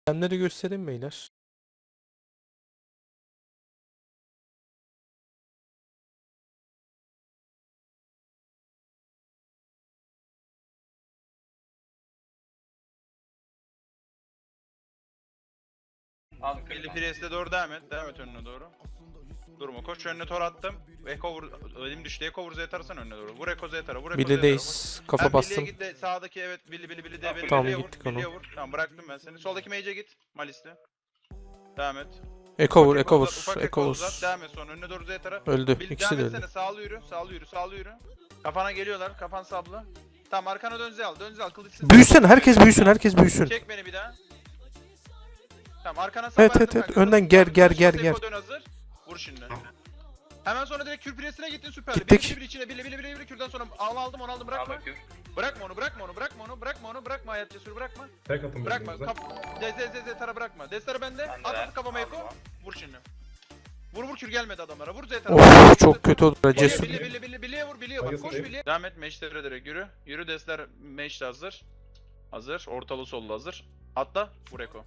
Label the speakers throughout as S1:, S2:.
S1: Kendileri göstereyim beyler.
S2: Billy Priest'e doğru devam et. Devam et önüne doğru. Durma koş önüne tor attım. Eko vur. Elim düştü. Eko vur Z'tarsan önüne doğru. Vur Eko Z'tara. Vur Eko Z'tara.
S1: Billy'deyiz. Kafa bastım.
S2: Git de sağdaki evet Billy de
S1: Tamam,
S2: Billy'ye vur.
S1: gittik onu.
S2: Billy'ye vur. Tamam bıraktım ben seni. Soldaki mage'e git. Malis'te. Devam et.
S1: Eko vur,
S2: Ufak
S1: Eko
S2: uzat,
S1: vur,
S2: ufak
S1: Eko vur.
S2: uzat. Devam et sonra önüne doğru Z'tara.
S1: Öldü.
S2: Devam
S1: İkisi de öldü.
S2: etsene sağlı yürü. Sağlı yürü. Kafana geliyorlar. Kafan sablı. Tamam arkana dön Z al. Kılıçsız.
S1: Büyüsün, herkes büyüsün, herkes büyüsün.
S2: Çek beni bir daha. Tamam arkana
S1: Evet,
S2: verdim
S1: evet, evet.
S2: kanka.
S1: Önden
S2: Kılıç
S1: ger,
S2: sabit.
S1: ger,
S2: Kılıç
S1: ger,
S2: basıp
S1: ger.
S2: Eko dön hazır. Vur şimdi. Hemen sonra direkt kür presine gittin süperli.
S1: Gittik.
S2: Bir içine bile kürden sonra aldım bırakma. Bırakma onu bırakma hayat cesur bırakma.
S3: Tek atın
S2: Bırakma.
S3: birbirinize.
S2: Tara bırakma. Destara bende.
S4: Ben de
S2: At
S4: ver.
S2: kafama Eko.
S4: Aldım
S2: Vur şimdi. Vur kür gelmedi adamlara. Vur Z'tara.
S1: Of, çok kötü oldu. Cesur.
S2: Billy'ye vur. Bak
S3: Hayır,
S2: koş
S3: hayır.
S2: Billy'ye. Devam et meşlere direkt yürü. Yürü Destler meşte hazır. Ortalı sollu hazır. Atla. Vur Eko.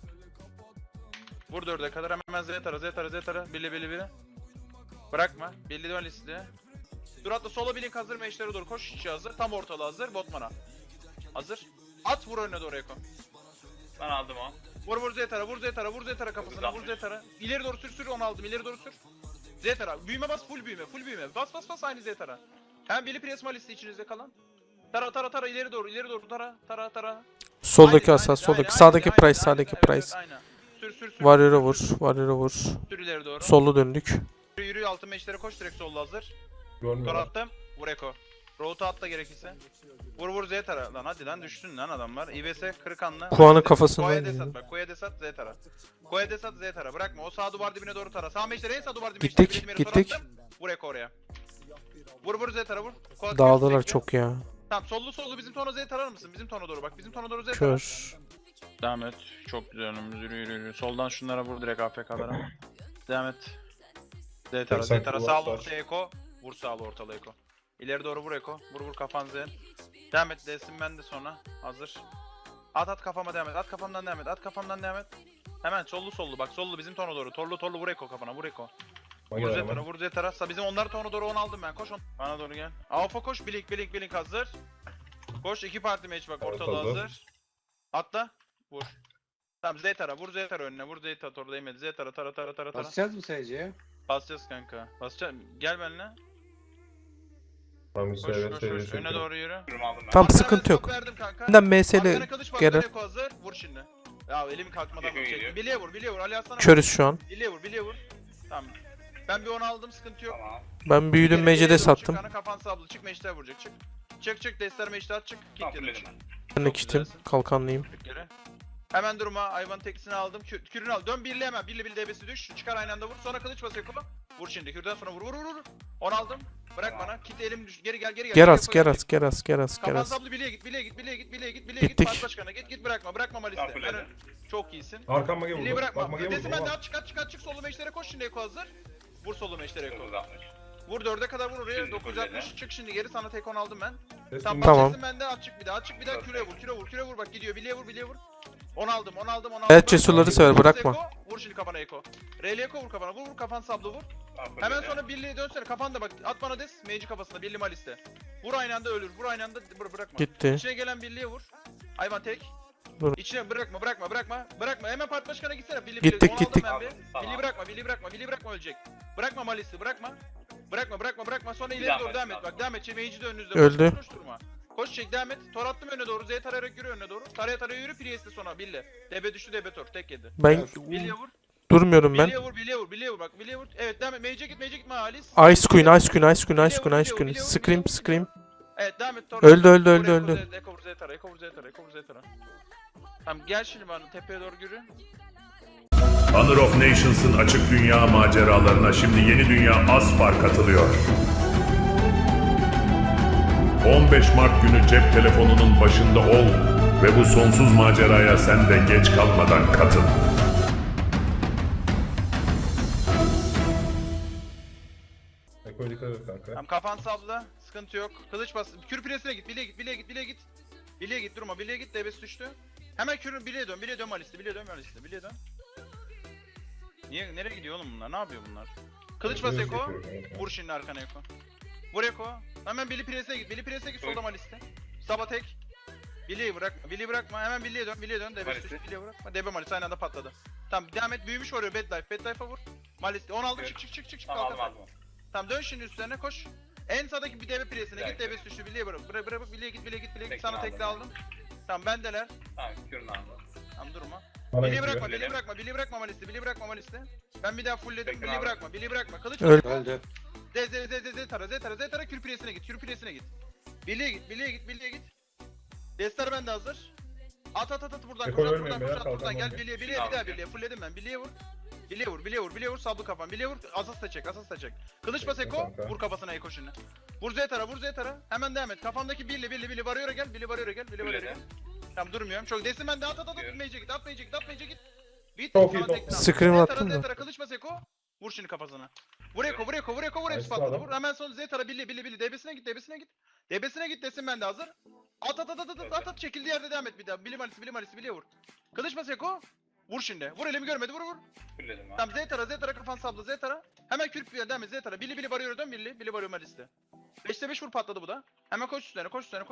S2: Vur 4'e kadar hemen Z'tara. Billy. Bırakma. Billy dön listeye. Dur atla sola bilin hazır meşlere doğru koş içi hazır. Tam ortalı hazır. Botman'a. Hazır. At vur önüne doğru Eko.
S4: Ben aldım o.
S2: Vur Z'tara kafasına. Vur Z'tara. İleri doğru sür onu aldım. İleri doğru sür. Z'tara. Büyüme bas full büyüme. Bas aynı Z'tara. Hem Billy Priest listi içinizde kalan. Tara ileri doğru tara.
S1: Soldaki
S2: Aynen,
S1: asas,
S2: aynen,
S1: soldaki. Sağdaki
S2: aynen,
S1: price,
S2: aynen,
S1: sağdaki
S2: evet,
S1: price.
S2: evet, aynen. Sür.
S1: Warrior'a vur, Warrior'a vur.
S2: Sür ileri doğru.
S1: Sollu döndük.
S2: Yürü altın meşlere koş direkt sollu hazır. Tor
S3: Görmüyorlar.
S2: attım. Vur Eko. Road'u atla gerekirse. Vur Z tara. Lan hadi lan düşsün lan adamlar. İBS kırıkanlı.
S1: Kuan'ın kafasından
S2: Koya
S1: geliyor.
S2: desat bak. Koya desat Z tara. Koya desat Z tara. Bırakma. O sağ duvar dibine doğru tara. Sağ meşlere en sağ duvar dibine.
S1: Gittik,
S2: işte,
S1: gittik.
S2: tor attım. Vur Eko oraya. Vur Z tara vur. Koya
S1: Dağıldılar
S2: sürekli.
S1: çok ya.
S2: Tamam sollu bizim tona Z tarar mısın? Bizim tona doğru bak. Bizim tona doğru Z tara.
S1: Kör.
S2: Devam et. Çok güzel önümüz yürü. Soldan şunlara vur direkt AFK'lara. Devam et. Z tara. Sağlı ortaya Eko. Vur sağlı ortalı Eko. İleri doğru vur Eko. Vur kafan Z. Devam et. Desin ben de sonra. Hazır. At kafama devam et. At kafamdan devam et. Hemen sollu bak sollu bizim tona doğru. Torlu vur Eko kafana vur Eko. Vur Z tara. Bizim onlar tona doğru 10 aldım ben. Koş on. Bana doğru gel. Alfa koş. Blink hazır. Koş 2 parti match bak ortalı
S3: Evet,
S2: hazır. Atla. Vur. Tamam Z tara. Vur Z tara önüne. Vur Z tara orada değmedi. Z tara.
S5: Basacağız mı SC'ye?
S2: Basacağız kanka. Basacağız. Gel benimle.
S3: Tamam
S2: Koş. Öne doğru yürü.
S4: Durum aldım ben.
S1: Tam
S2: Arkana
S1: sıkıntı
S2: ben
S1: yok.
S2: top verdim kanka.
S1: Benden MS'li
S2: Arkana kılıç bas,
S1: gelir.
S2: Eko hazır. Vur şimdi. Ya elim kalkmadan
S4: Eko
S2: vur.
S4: geliyor.
S2: Billy'ye vur. Ali Hasan'a vur.
S1: Körüz şu an.
S2: Billy'ye vur. Tamam. Ben bir 10 aldım sıkıntı yok.
S4: Tamam.
S1: Ben büyüdüm,
S2: Billy'ye
S1: Mece'de
S2: vur,
S1: sattım.
S2: Çık kafan sablı. Çık meşte vuracak. Çık. Destler meşte at çık.
S4: Tamam
S2: Kick
S4: fulledim
S2: dedim.
S4: ben.
S1: Ben de
S2: Çok
S1: kitim.
S2: güzelsin.
S1: Kalkanlıyım.
S2: Çık geri. Hemen durma. Hayvan tekisini aldım. Kürünü al. Dön birli hemen. Billy DB'si düş. Çıkar aynı anda vur. Sonra kılıç bas Eko. Vur şimdi. Kürden sonra vur. 10 aldım. Bırak bana. Kit elim düş. Geri gel.
S1: Geras.
S2: Kapan sablı Billy'ye git.
S1: Gittik.
S2: Parti başkanına git bırakma Malis'te.
S4: Tamam, fulledim.
S2: Çok iyisin.
S3: Arkam mage
S2: Billy'yi
S3: vurdu.
S2: bırakma.
S3: Bak mage
S2: Ötesi bende
S3: vurdu.
S2: at çık solu meşlere koş şimdi Eko hazır. Vur solu meşlere Eko.
S4: 960.
S2: Vur 4'e kadar vur oraya.
S4: Şimdi
S2: 960
S4: fulledim.
S2: çık şimdi geri sana tek 10 aldım ben.
S3: Tamam.
S1: Tamam.
S2: Tamam. Bende at çık bir daha küre vur bak gidiyor Billy'ye vur. 10 aldım.
S1: Evet, cesurları sever, bırakma.
S2: Vur şimdi kafana Eko. R'li Eko vur kafana. Vur kafan sablı vur.
S4: Tamam,
S2: Hemen
S4: fulledim.
S2: sonra Billy'ye dönsene kafanda bak. At bana des. Mage kafasına Billy Malis'te. Vur aynı anda ölür. Vur aynı anda bırakma.
S1: Gitti.
S2: İçine gelen Billy'ye vur. Hayvan tek.
S1: Dur.
S2: İçine bırakma. Hemen part başkanına gitsene. Billy
S1: Gittik,
S2: onu aldım
S1: gittik.
S2: ben bir.
S4: Tamam.
S2: Billy bırakma ölecek. Bırakma Malis'i bırakma. Sonra
S4: Bir
S2: ileri
S4: daha
S2: doğru devam et.
S4: Malis'i
S2: Bak devam et. Mage'i de önünüzde.
S1: Öldü.
S2: Koş durma. Koş çek devam et. Tor attım önüne doğru. Z tarayarak yürü önüne doğru. Taraya yürü. Priest'e sonra Billy. DB düştü DB tor. Tek yedi.
S1: Ben
S2: Billy'ye vur.
S1: durmuyorum ben.
S2: Billy'ye vur. Bak Billy'ye vur. Evet devam et. Mage'e gitme Halis.
S1: Ice Queen. Scream.
S2: Evet devam et. Tor.
S1: Öldü.
S2: Eko vur Z tara. Tamam gel şimdi bana tepeye doğru yürü.
S6: Honor of Nations'ın açık dünya maceralarına şimdi yeni dünya Aspar katılıyor. 15 Mart günü cep telefonunun başında ol ve bu sonsuz maceraya sen de geç kalmadan katıl.
S3: Eko'ya dikkat et kanka.
S2: Tamam kafan sabla. Sıkıntı yok. Kılıç bas. Kür presine git. Billy'ye git. Billy'ye git durma. Billy'ye git. DB'si düştü. Hemen kürün bilye dön Malis'te, bilye dön. Niye, nereye gidiyor oğlum bunlar? Ne yapıyor bunlar? Kılıç bas Eko. Vur şimdi arkana Eko. Vur Eko. Hemen Billy Pres'e git solda Malis'te. Saba tek. Billy'yi bırakma. Hemen Billy'ye dön.
S4: Malis'te.
S2: Billy'ye bırakma. DB Malis aynı anda patladı. Tamam devam et. Büyümüş vuruyor Bad Life'a vur. Malis'te. 10 aldı
S4: Evet.
S2: çık.
S4: Tamam
S2: Kalk.
S4: aldım.
S2: Tamam dön şimdi üstlerine koş. En sağdaki bir DB Pres'ine git. DB düştü. Billy'ye bırak. Bırak Billy'ye git.
S4: Tekne
S2: Sana
S4: aldım.
S2: tekli aldım. Tamam bendeler.
S4: Tamam kürünü aldım.
S2: Tamam durma.
S3: Bana
S2: Billy'yi
S3: gidiyor.
S2: bırakma Malis'te. Ben bir daha fullledim.
S4: Tekrar
S2: Billy'yi bırakma. Kılıç
S1: Öl.
S2: Öldü. Z tara kür presine git. Billy'ye git. Destar bende hazır. At buradan
S3: Eko
S2: buradan
S3: ölmeyin beyler,
S2: buradan
S3: kalkan
S2: gel
S3: var.
S2: Billy'ye bir daha Billy'ye fullledim ben. Billy'ye vur sablı kafan. Billy'ye vur asas da çek. Kılıç bas Eko
S3: Kanka.
S2: vur kafasına Eko şimdi. Vur Z tara. Hemen devam et. Kafandaki Billy varıyor gel. Billy varıyor gel. Tamam durmuyorum. Çok desin ben de at Mage'e git. Bit.
S3: Çok iyi
S2: Sana
S3: top.
S2: tekrar.
S1: Scream attın mı?
S2: Zetara kılıç bas Eko. Vur şimdi kafasına. Vur Eko hepsi
S3: Nice
S2: patladı.
S3: adam.
S2: Vur hemen sonra Zetara Billy DB'sine git desin ben de hazır. At çekildiği yerde devam et bir daha. Billy Malis'i vur. Kılıç bas Eko. Vur şimdi. Vur elimi görmedi vur.
S4: Kürledim ben.
S2: Tamam Zetara kafan sabla Zetara. Hemen kürp bir devam et Zetara. Billy varıyor dön Billy varıyor Malis'te. 5'te 5 vur patladı bu da. Hemen koş üstlerine.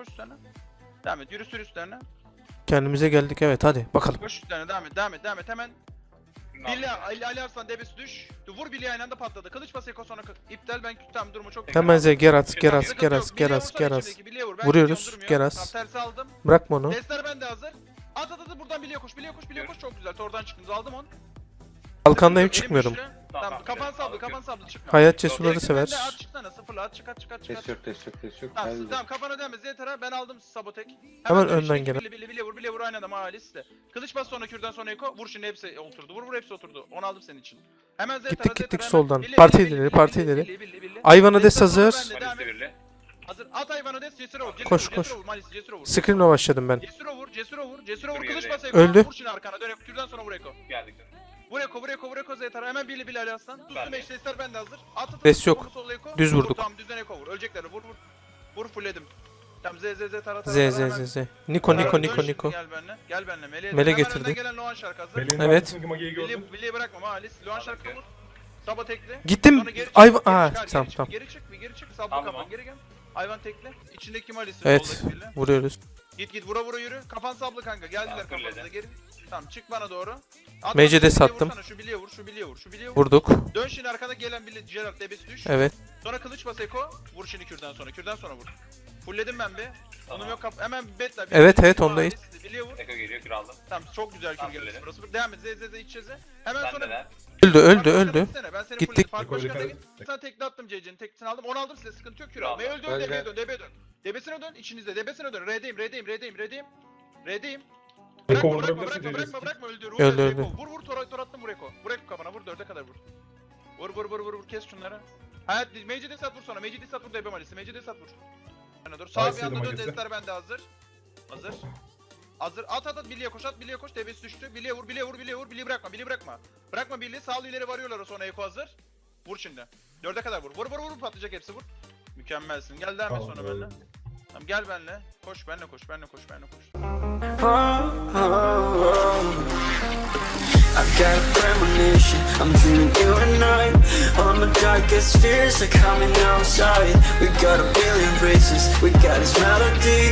S2: Devam et yürü üstlerine.
S1: Kendimize geldik, evet, hadi bakalım.
S2: Koş üstlerine devam et hemen.
S4: Kürünü aldım.
S2: Billy Ali Arslan debesi düş. Vur Billy aynı anda patladı. Kılıç bas Eko sonra iptal ben tamam durumu çok
S1: Hemen Z Geras.
S2: Vuruyoruz.
S1: Vuruyoruz, Geras.
S2: Tersi aldım.
S1: Bırakma onu.
S2: Testler bende hazır. At buradan Billy'ye koş çok güzel. Tordan çıktınız aldım onu.
S1: Kalkandayım,
S2: Elim
S1: çıkmıyorum.
S2: güçlü. Tamam kafan sablı çıkma.
S1: Hayat cesurları
S2: Direkt
S1: sever.
S2: bende At çıksana sıfırla at çık.
S5: Test yok.
S2: Tamam kafana dönme Zetara ben aldım sabotek.
S1: Hemen
S2: dön
S1: önden
S2: işte,
S1: gelen.
S2: Billy vur aynı adam Alice'de. Kılıç bas sonra kürdan sonra Eko vur şimdi hepsi oturdu. Vur hepsi oturdu. Onu aldım senin için. Hemen Zetara
S1: Gittik
S2: hemen.
S1: soldan.
S2: Billy,
S1: Parti
S2: Billy,
S1: ileri.
S2: Billy.
S1: Ayvana des
S2: Destar sonra
S1: hazır.
S2: bende, devam
S4: Malis'te
S2: et.
S4: birli.
S2: Hazır. At hayvanı des Cesur vur.
S1: Koş.
S2: Cesur vur.
S1: Scream'le başladım ben.
S2: Cesur vur.
S4: Dur,
S2: Kılıç
S4: yedi.
S2: bas Eko.
S1: Öldü.
S2: Vur şimdi arkana dön. Kürdan sonra vur Eko.
S4: Geldik.
S2: Vur Eko Zetara. Hemen Billy Ali Aslan.
S4: Ben
S2: Tuttum
S4: de.
S2: eşleşler bende hazır. At.
S1: Res yok.
S2: Sol Eko.
S1: Düz
S2: Vur,
S1: vurduk.
S2: tamam düzden Eko vur. Ölecekler. Vur fullledim. Tamam Z tara.
S1: Z. Niko.
S2: Gel benimle.
S1: Mele
S2: Hemen
S1: getirdi.
S2: önden gelen Loan şarkı hazır.
S3: Belin
S1: Evet.
S3: arkasındaki Magi'yi gördüm.
S2: Billy'yi bırakma Malis. Loan şarkı vur. Saba tekli.
S1: Gittim.
S2: Sonra geri çık,
S1: Ayva.
S2: geri çık,
S1: Tamam.
S2: Geri çık. Sablı
S4: Aldım
S2: kafan
S4: o.
S2: geri gel. Hayvan tekli. İçindeki Malis'i.
S1: Evet.
S2: soldaki Billy.
S1: Vuruyoruz.
S2: Git vura yürü. Kafan sablı kanka. Geldiler
S4: Tamam,
S2: kafanıza
S4: fırladı.
S2: geri. Tamam çık bana doğru. At
S1: Mecide
S2: bana,
S1: sattım.
S2: vursana, Şu Billy'ye vur.
S1: Vurduk.
S2: Dön şimdi arkada gelen Billy Gerald debesi düş.
S1: Evet.
S2: Sonra kılıç bas Eko. Vur şimdi kürdan sonra vur. Fullledim ben bir. Onun yok hemen betla.
S1: Evet, ondayız.
S2: Billy'ye vur.
S4: Eko geliyor kür aldım.
S2: Tamam çok güzel kür
S4: Tamam,
S2: geldi.
S4: fulledim.
S2: Burası. Devam et. Z iç çeze. Hemen
S4: Ben
S2: sonra
S4: de.
S1: Öldü.
S2: Ben seni
S1: Gittik.
S2: Fark başkanına
S3: Yukarı
S2: git. Sana tekli attım CC'nin teklisini aldım. Onu aldım size sıkıntı yok kür
S4: Tamam.
S2: alma. Öldü
S5: Öldü.
S2: DB'ye dön. Debesine dön içinizde. Debesine dön. R'deyim.
S3: Eko
S2: Bırakma
S3: vurdurabilirsin
S2: öldür.
S1: Öldü.
S2: Vur tor attım vur Eko. Vur Eko kafana vur 4'e kadar vur. Vur kes şunları. Hayat Mage'de sat vur sonra. Mage'de sat vur DB Malis'i. Mage'de sat vur. Yana dur. Sağ bir
S3: Nice
S2: anda dön
S3: Malis'i.
S2: destler bende hazır. At Billy'ye koş DB'si düştü. Billy'ye vur. Billy'yi bırakma. Bırakma Billy'yi sağlı ileri varıyorlar sonra Eko hazır. Vur şimdi. 4'e kadar vur. Vur patlayacak hepsi vur. Mükemmelsin. Gel devam et sonra benimle. Tamam gel benimle. Koş benimle koş.
S7: I've got a premonition, I'm dreaming you and I. All my darkest fears are coming outside. We got a billion races, we got this melody.